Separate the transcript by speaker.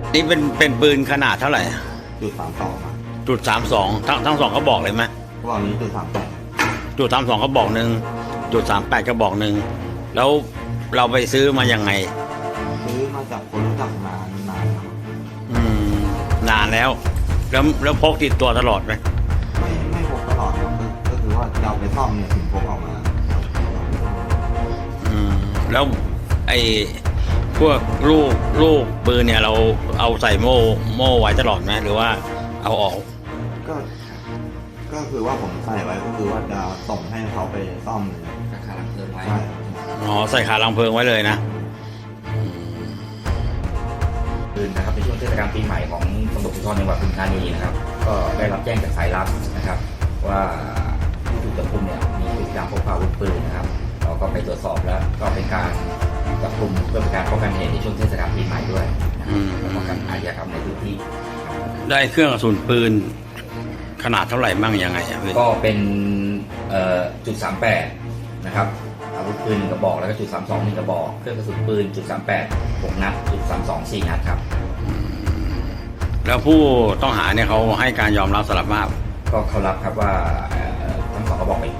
Speaker 1: นี่เป็นปืนขนาดเท่าไหร่
Speaker 2: .32ครับ
Speaker 1: .32ทั้งสองเขาบอกเลยไหม
Speaker 2: ว่านี้.38
Speaker 1: .32เขาบอกหนึ่ง.38ก็บอกหนึ่งแล้วเราไปซื้อมายังไง
Speaker 2: ซื้อมาจากคนรู้จักนานครับ
Speaker 1: นานแล้วพกติดตัวตลอดไหม
Speaker 2: ไม่พกตลอดครับก็คือว่าเราไปซ่อมเนี่ยถึงพกออกมา
Speaker 1: แล้วไอ้พวกลูกปืนเนี่ยเราเอาใส่โม่ไว้ตลอดไหมหรือว่าเอาออก
Speaker 2: ก็คือว่าผมใส่ไว้ก็คือว่าจะส่งให้เขาไปซ่อมเลย
Speaker 3: ราคาลังเพลิงไว้
Speaker 1: อ๋อใส่ขาลังเพลิงไว้เลยนะ
Speaker 3: ปืนนะครับในช่วงเทศกาลปีใหม่ของตำรวจภูธรจังหวัดปทุมธานีนะครับก็ได้รับแจ้งจากสายลับนะครับว่าผู้ถูกจับกุมเนี่ยมีพฤติกรรมพกพาอาวุธปืนนะครับเราก็ไปตรวจสอบแล้วก็เป็นการจับกุมเพื่อเป็นการป้องกันเหตุในช่วงเทศกาลปีใหม่ด้วยและป้องกันอาชญากรรมในพื้นที่
Speaker 1: ได้เครื่องกระสุนปืนขนาดเท่าไหร่มั่งยังไง
Speaker 3: ก็เป็น.38นะครับอาวุธปืน1กระบอกแล้วก็.32 1กระบอกเครื่องกระสุนปืน.38 6 นัด.32 4 นัดครับ
Speaker 1: แล้วผู้ต้องหาเนี่ยเขาให้การยอมรับสารภาพ
Speaker 3: ก็เขารับครับว่าทั้งสองกระบอกเป็น